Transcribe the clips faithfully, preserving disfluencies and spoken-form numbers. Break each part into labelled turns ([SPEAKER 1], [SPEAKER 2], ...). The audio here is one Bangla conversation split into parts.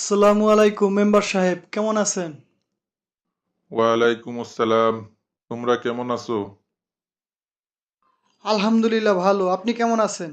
[SPEAKER 1] আসসালামু আলাইকুম মেম্বার সাহেব, কেমন আছেন?
[SPEAKER 2] ওয়ালাইকুম আসসালাম। তোমরা কেমন আছো?
[SPEAKER 1] আলহামদুলিল্লাহ ভালো। আপনি কেমন আছেন?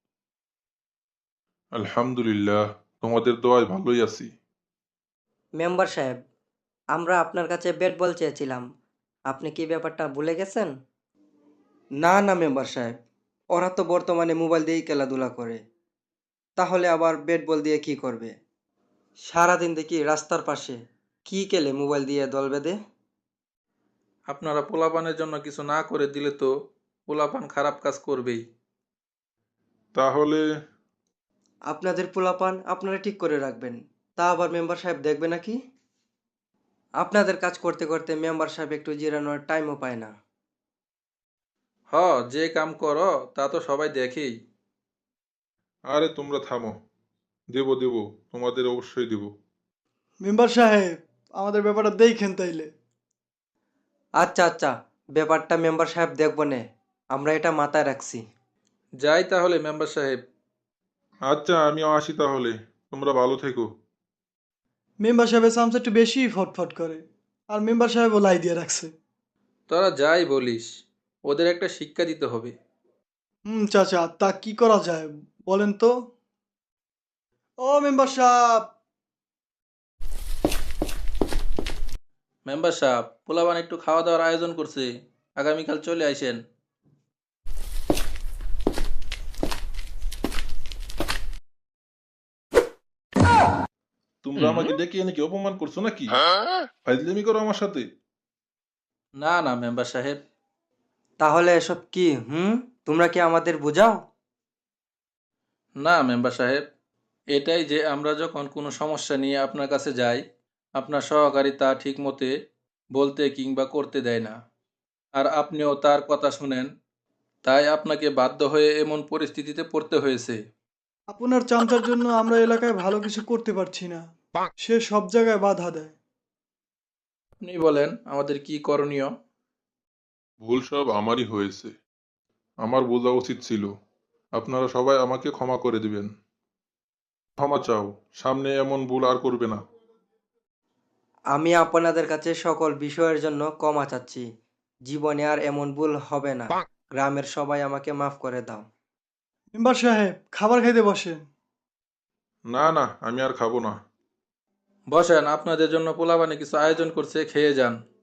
[SPEAKER 2] আলহামদুলিল্লাহ, তোমাদের দোয়ায় ভালোই আছি।
[SPEAKER 3] মেম্বার সাহেব, আমরা আপনার কাছে ব্যাট বল চেয়েছিলাম। আপনি কি ব্যাপারটা ভুলে গেছেন?
[SPEAKER 4] না না মেম্বার সাহেব, ওরা তো বর্তমানে মোবাইল দিয়েই খেলাধুলা করে, তাহলে আবার ব্যাট বল দিয়ে কি করবে? সারাদিন দেখি রাস্তার পাশে কি খেলে মোবাইল দিয়ে দল বেঁধে।
[SPEAKER 5] আপনারা পোলাপানের জন্য কিছু না করে দিলে তো পোলাপান খারাপ কাজ করবেই।
[SPEAKER 2] তাহলে
[SPEAKER 4] আপনাদের পোলাপান আপনারা ঠিক করে রাখবেন, তা আবার মেম্বার সাহেব দেখবে নাকি? আপনাদের কাজ করতে করতে মেম্বার সাহেব একটু জিরানোর টাইমও পায় না।
[SPEAKER 5] হ, যে কাম করো তা তো সবাই দেখেই।
[SPEAKER 2] আরে তোমরা থামো। দেব দেব, তোমাদের অবশ্যই দেব।
[SPEAKER 1] মেম্বার সাহেব, আমাদের ব্যাপারটা দেখেন তাইলে।
[SPEAKER 4] আচ্ছা আচ্ছা, ব্যাপারটা মেম্বার সাহেব দেখব নে, আমরা এটা মাথায় রাখছি।
[SPEAKER 5] যাই তাহলে মেম্বার সাহেব।
[SPEAKER 2] আচ্ছা, আমিও আসি তাহলে। তোমরা ভালো থেকো।
[SPEAKER 1] মেম্বার সাহেবের চামচা একটু বেশি ফটফট করে, আর মেম্বার সাহেবও লাই দিয়ে রাখছে।
[SPEAKER 5] তোরা যাই বলিস, ওদের একটা শিক্ষা দিতে হবে।
[SPEAKER 1] হুম চাচা, তা কি করা যায় বলেন তো? ও মেম্বার সাহেব!
[SPEAKER 5] মেম্বার সাহেব, পোলাপান একটু খাওয়া দাওয়ার আয়োজন করছে, আগামীকাল চলে আইসেন।
[SPEAKER 2] তোমরা আমাকে ডেকে এনে কি অপমান করছো নাকি? ফাইজলামি করো আমার সাথে?
[SPEAKER 5] না না মেম্বার সাহেব।
[SPEAKER 4] তাহলে এসব কি? হুম, তোমরা কি আমাদের বোঝাও?
[SPEAKER 5] না মেম্বার সাহেব, এটাই যে আমরা যখন কোনো সমস্যা নিয়ে আপনার কাছে যাই, আপনার সহকারী তা ঠিক মতে বলতে কিংবা করতে দেয় না, আর আপনিও তার কথা শুনেন, তাই আপনাকে বাধ্য হয়ে এমন পরিস্থিতিতে পড়তে হয়েছে।
[SPEAKER 1] আপনার চামচার জন্য আমরা এলাকায় ভালো কিছু করতে পারছি না। সে সব জায়গায় বাধা দেয়।
[SPEAKER 5] আপনি বলেন আমাদের কি করণীয়?
[SPEAKER 2] ভুল সব আমারই হয়েছে। আমার বোঝা উচিত ছিল। আপনারা সবাই আমাকে ক্ষমা করে দিবেন। ক্ষমা চাও। সামনে এমন ভুল আর করবে না।
[SPEAKER 4] আমি আপনাদের কাছে সকল বিষয়ের জন্য ক্ষমা চাচ্ছি। জীবনে আর এমন ভুল হবে না। গ্রামের সবাই আমাকে মাফ করে দাও।
[SPEAKER 1] মেম্বার সাহেব, খাবার খাইতে বসেন।
[SPEAKER 2] না না, আমি আর খাবো না।
[SPEAKER 5] বসেন, আপনাদের জন্য পোলাপানে কিছু আয়োজন করছে, খেয়ে যান।